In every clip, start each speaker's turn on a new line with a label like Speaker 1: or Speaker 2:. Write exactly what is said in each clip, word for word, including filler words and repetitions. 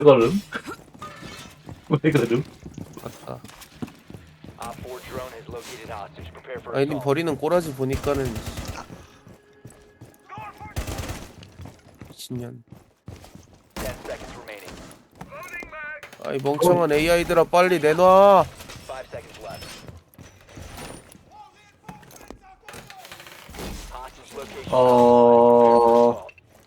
Speaker 1: 그거름? 왜 그럼?
Speaker 2: 맞다.
Speaker 3: Op four drone has located hostage. Prepare for
Speaker 2: 아이님
Speaker 3: assault.
Speaker 2: 버리는 꼬라지 보니까는 미친년.
Speaker 3: Ten seconds remaining.
Speaker 2: 아이 멍청한 에이아이들아 빨리 내놔.
Speaker 3: Five seconds left. Hostage location.
Speaker 1: 어...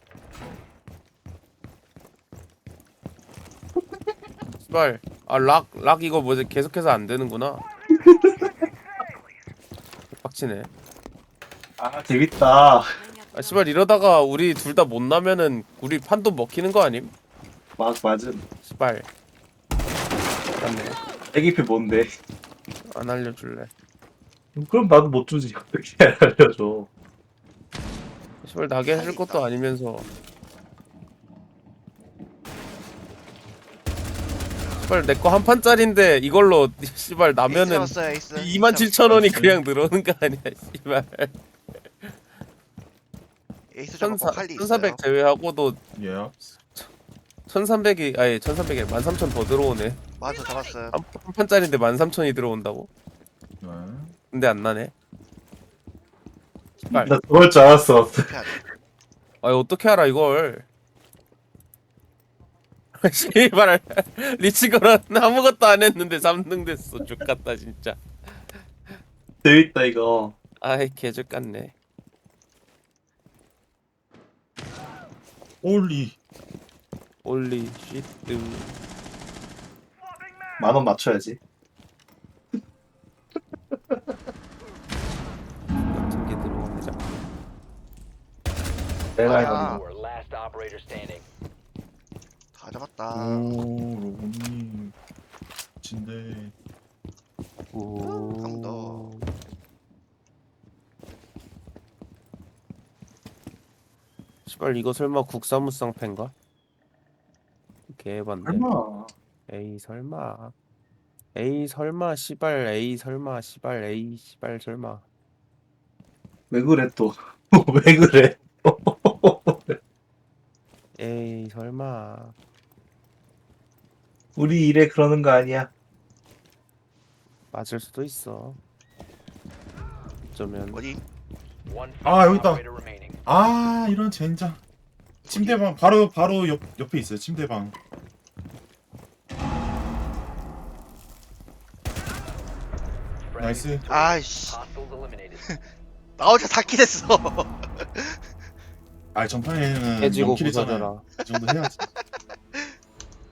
Speaker 2: 씨발. 아락 락 이거 뭐지 계속해서 안 되는구나. 빡치네.
Speaker 1: 아 재밌다.
Speaker 2: 아 씨발 이러다가 우리 둘 다 못 나면은 우리 판도 먹히는 거 아님?
Speaker 1: 막 맞음.
Speaker 2: 씨발. 맞네.
Speaker 1: 애기피 뭔데?
Speaker 2: 안 알려줄래.
Speaker 1: 그럼 나도 못 주지. 어떻게 알려줘?
Speaker 2: 씨발 나게 해줄 것도 아니면서. 씨발 내 거 한 판짜린데 이걸로 씨발 나면은
Speaker 4: 에이스 잡았어요, 에이스.
Speaker 2: 이만 칠천 원이 그냥 늘어오는 거 아니야 씨발.
Speaker 4: 에이스 잡았고
Speaker 2: 천사
Speaker 4: 칼리 있어요.
Speaker 2: 천사백 제외하고도
Speaker 5: 예.
Speaker 2: 천삼백이 아니 천삼백에 만 삼천 더 들어오네.
Speaker 4: 맞아, 잡았어요.
Speaker 2: 한, 한 판짜린데 만 삼천이 들어온다고?
Speaker 5: 네.
Speaker 2: 근데 안 나네. 씨발.
Speaker 1: 나 그럴 줄 알았어.
Speaker 4: 어떻게 하지?
Speaker 2: 아 어떻게 알아 이걸? 씨발 리치거란 아무것도 안 했는데 삼 등 됐어. 죽겠다 진짜.
Speaker 1: 재밌다 이거.
Speaker 2: 아이 개죽 같네.
Speaker 5: 올리.
Speaker 2: 올리 쉿드.
Speaker 1: 만 원 맞춰야지.
Speaker 2: 같은 게 들어오네 자꾸.
Speaker 1: 내가
Speaker 4: 아.
Speaker 1: 해본
Speaker 3: Four, last operator standing.
Speaker 4: 다 잡았다.
Speaker 5: 오, 로봇님. 진데.
Speaker 2: 오.
Speaker 4: 강도.
Speaker 2: 씨발 이거 설마 국사무쌍 팬가? 개반데.
Speaker 1: 설마.
Speaker 2: 에이 설마. 에이 설마 씨발 에이 설마 씨발 에이 씨발 설마.
Speaker 1: 왜 그래 또? 왜 그래?
Speaker 2: 에이 설마.
Speaker 1: 우리 일에 그러는 거 아니야?
Speaker 2: 맞을 수도 있어. 어쩌면.
Speaker 4: 어디?
Speaker 3: One
Speaker 5: 아, 여기 있다.
Speaker 3: operator remaining.
Speaker 5: 아, 이런 젠장. 침대방 바로 바로 옆 옆에 있어요. 침대방. 나이스.
Speaker 4: 아이씨.
Speaker 3: Hostiles eliminated.
Speaker 4: 나 혼자 닫기 됐어.
Speaker 5: 아, 전판에는
Speaker 2: 해지고
Speaker 5: 영킬이잖아요.
Speaker 2: 부서져라.
Speaker 5: 이 정도 해야지.